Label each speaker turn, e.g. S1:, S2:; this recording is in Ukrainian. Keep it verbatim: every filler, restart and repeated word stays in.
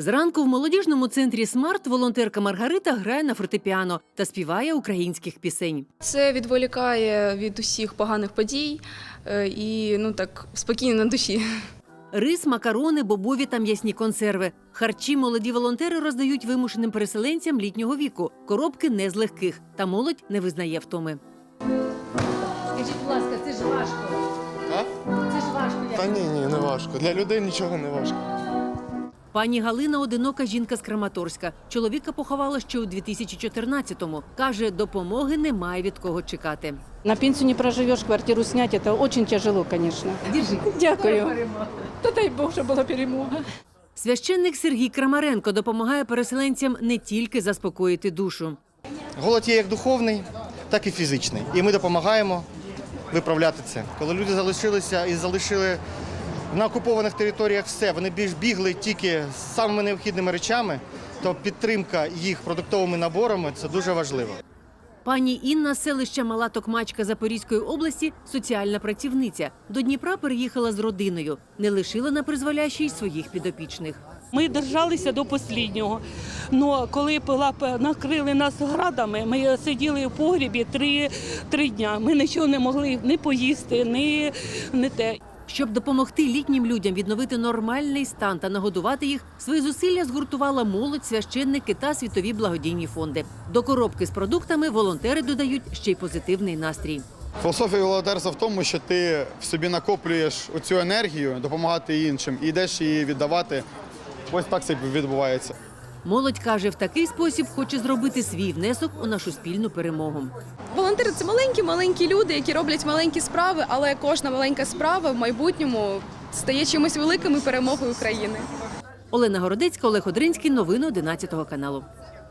S1: Зранку в молодіжному центрі «Смарт» волонтерка Маргарита грає на фортепіано та співає українських пісень.
S2: Це відволікає від усіх поганих подій і ну так спокійно на душі.
S1: Рис, макарони, бобові та м'ясні консерви. Харчі молоді волонтери роздають вимушеним переселенцям літнього віку. Коробки не з легких, та молодь не визнає втоми.
S3: Скажіть, будь ласка, це ж важко.
S4: А?
S3: Це ж важко.
S4: Та ні, ні, не важко. Для людей нічого не важко.
S1: Пані Галина – одинока жінка з Краматорська. Чоловіка поховала ще у дві тисячі чотирнадцятому. Каже, допомоги немає від кого чекати.
S5: На пенсию не проживешь, квартиру снять, это очень тяжело, конечно. Дякую. Та дай Бог, щоб була перемога.
S1: Священник Сергій Крамаренко допомагає переселенцям не тільки заспокоїти душу.
S6: Голод є як духовний, так і фізичний. І ми допомагаємо виправляти це. Коли люди залишилися і залишили на окупованих територіях все, вони більш бігли тільки з самими необхідними речами, то підтримка їх продуктовими наборами – це дуже важливо.
S1: Пані Інна з селища Мала Токмачка Запорізької області – соціальна працівниця. До Дніпра переїхала з родиною. Не лишила на призволяще й своїх підопічних.
S7: Ми держалися до останнього. Но коли накрили нас градами, ми сиділи в погрібі три, три дня. Ми нічого не могли ні поїсти, ні, ні те.
S1: Щоб допомогти літнім людям відновити нормальний стан та нагодувати їх, свої зусилля згуртувала молодь, священники та світові благодійні фонди. До коробки з продуктами волонтери додають ще й позитивний настрій.
S4: Філософія волонтерства в тому, що ти в собі накоплюєш оцю енергію, допомагати іншим і йдеш її віддавати. Ось так це відбувається.
S1: Молодь каже, в такий спосіб хоче зробити свій внесок у нашу спільну перемогу.
S2: Волонтери – це маленькі-маленькі люди, які роблять маленькі справи, але кожна маленька справа в майбутньому стає чимось великим і перемогою України.
S1: Олена Городецька, Олег Одринський. Новини одинадцятого каналу.